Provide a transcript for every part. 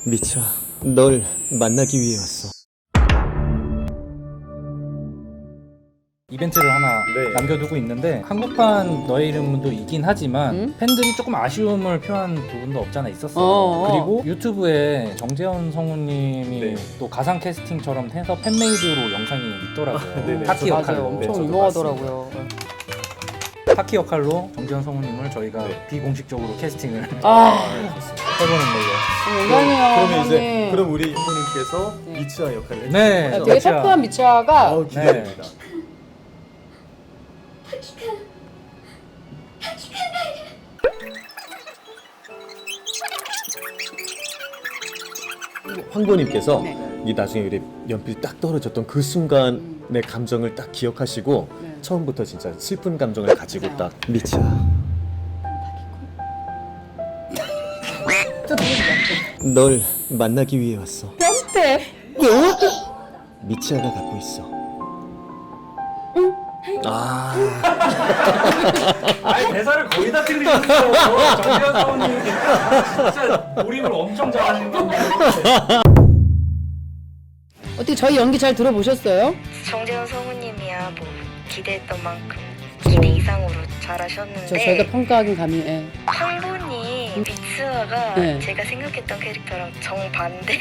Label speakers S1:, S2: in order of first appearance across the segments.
S1: 미차, 널 만나기 위해 왔어.
S2: 이벤트를 하나 남겨두고 있는데 한국판 너의 이름도 있긴 하지만 팬들이 조금 아쉬움을 표한 부분도 없잖아 있었어. 그리고 유튜브에 정재현 성우님이 또 가상 캐스팅처럼 해서 팬메이드로 영상이 있더라고요. 타키 역할로.
S3: 엄청 유명하더라고요.
S2: 타키 역할로 정재현 성우님을 저희가 비공식적으로 캐스팅을 해보는 걸로.
S3: 영광이에요.
S1: 그러면 이제
S3: 형님.
S1: 그럼 우리 형님께서 미차 역할을 해주세요.
S2: 네.
S3: 되게
S2: 미차.
S3: 터프한 미차가
S1: 기대됩니다. 황보님께서 이 나중에 우리 연필 딱 떨어졌던 그 순간의 감정을 딱 기억하시고 처음부터 진짜 슬픈 감정을 가지고 딱 미차, 널 만나기 위해 왔어.
S3: 뿅대.
S1: 미치아가 갖고 있어.
S2: 아니 대사를 거의 다 틀리셨어요. 정재현 성우님 진짜 몰입을 엄청 잘하시는 건데.
S3: 어떻게 저희 연기 잘 들어보셨어요?
S4: 정재현 성우님이야 뭐 기대했던 만큼 기대 이상으로 잘하셨는데
S3: 저희가 평가하긴 감히. 예.
S4: 황보님 미츠아가
S3: 네.
S4: 제가 생각했던 캐릭터랑 정반대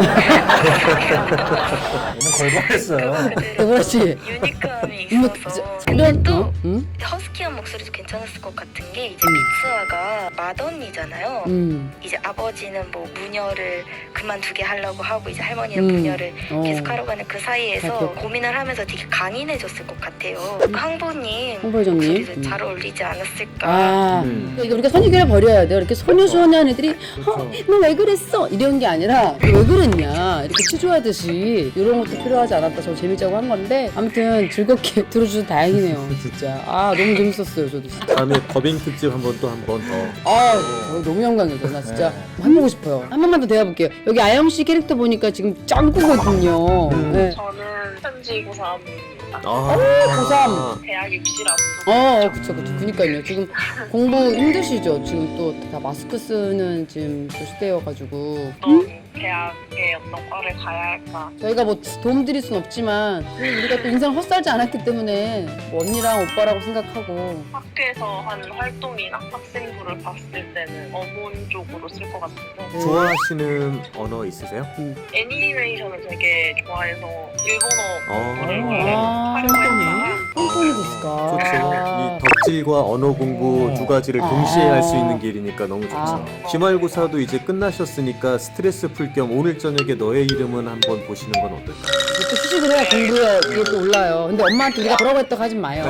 S2: 너무 걸걸했어요.
S3: 그렇지.
S4: 유니크함이
S3: 뭐,
S4: 있어서
S3: 이런
S4: 근데 또
S3: 응?
S4: 허스키한 목소리도 괜찮았을 것 같은 게 이제 미츠아가 맏언니잖아요. 이제 아버지는 뭐 무녀를 그만두게 하려고 하고 이제 할머니는 무녀를 계속 하러 가는 그 사이에서
S3: 맞죠.
S4: 고민을 하면서 되게 강인해졌을 것 같아요. 황보님
S3: 홍보회장님.
S4: 목소리도 잘 어울리지 않았을까.
S3: 아, 이게 우리가 선입견을 버려야 돼요. 이렇게 소녀소녀한 애들이 너 왜 그랬어? 이런 게 아니라 너 왜 그랬냐 이렇게 치조하듯이 이런 것도 필요하지 않았다. 저 재밌자고 한 건데 아무튼 즐겁게 들어주셔서 다행이네요. 진짜 너무 재밌었어요. 저도 진짜.
S1: 다음에 더빙 특집 한 번 더.
S3: 너무 영광이죠. 나 진짜 해보고 싶어요. 한 번만 더 대화볼게요. 여기 아영 씨 캐릭터 보니까 지금 짱구거든요. 네.
S5: 저는 현지 고3
S3: 고3.
S5: 대학 입시를 앞두고
S3: 그쵸. 그니까요. 지금 공부 힘드시죠? 지금 또 다 마스크 쓰는 지금 그 시대여가지고.
S5: 어떤 대학의 어떤 과를 가야 할까.
S3: 저희가 뭐 도움 드릴 순 없지만 우리가 또 인생을 헛살지 않았기 때문에 뭐 언니랑 오빠라고 생각하고.
S5: 학교에서 하는 활동이나 학생부를 봤을 때는 어문 쪽으로 쓸 것 같은데
S1: 좋아하시는 언어 있으세요?
S5: 애니메이션을 되게 좋아해서 일본어를
S3: 아,
S5: 활용했다가
S3: 폰폰이 됐을까?
S1: 좋죠. 이 덕질과 언어 공부 두 가지를 동시에 할 수 있는 길이니까 너무 좋죠. 기말고사도 이제 끝나셨으니까 스트레스 풀 겸 오늘 저녁에 너의 이름은 한번 보시는 건 어떨까요?
S3: 또 휴식을 해야 공부에 이게 또 올라요. 근데 엄마한테 우리가 뭐라고 했다고 하지 마요.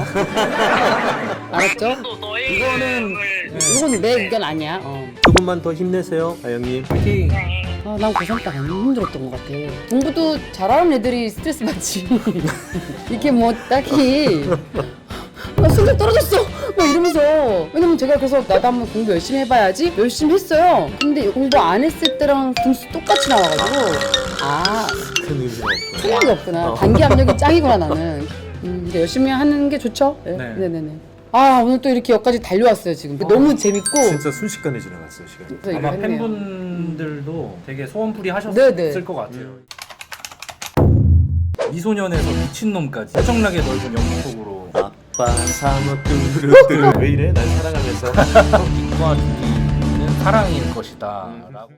S3: 알았죠?
S5: 또 너의
S2: 이거는
S5: 이름을
S3: 이건 내 의견 아니야.
S1: 조금만 더 힘내세요, 아영님.
S2: 파이팅.
S3: 난 고3 때 안 힘들었던 것 같아. 공부도 잘하는 애들이 스트레스 받지. 이렇게 뭐 딱히 성적 떨어졌어! 막 이러면서. 왜냐면 제가 그래서 나도 한번 공부 열심히 해봐야지 열심히 했어요. 근데 공부 안 했을 때랑 등수 똑같이 나와가지고
S1: 큰 의미가 없고요.
S3: 생각이 없구나. 단기 압력이 짱이구나 나는. 근데 열심히 하는 게 좋죠? 네네네. 오늘 또 이렇게 여기까지 달려왔어요 지금. 너무 재밌고.
S1: 진짜 순식간에 지나갔어요, 시간이.
S3: 그래서
S2: 아마
S3: 이거 했네요.
S2: 팬분들도 되게 소원풀이 하셨을
S3: 네네.
S2: 것 같아요. 미소년에서 미친놈까지 엄청나게 넓은 연기 속으로
S1: 아빠 사먹 뚜루뚜루 왜 이래? 날 사랑하면서
S2: 인과 두기는 사랑일 것이다 라고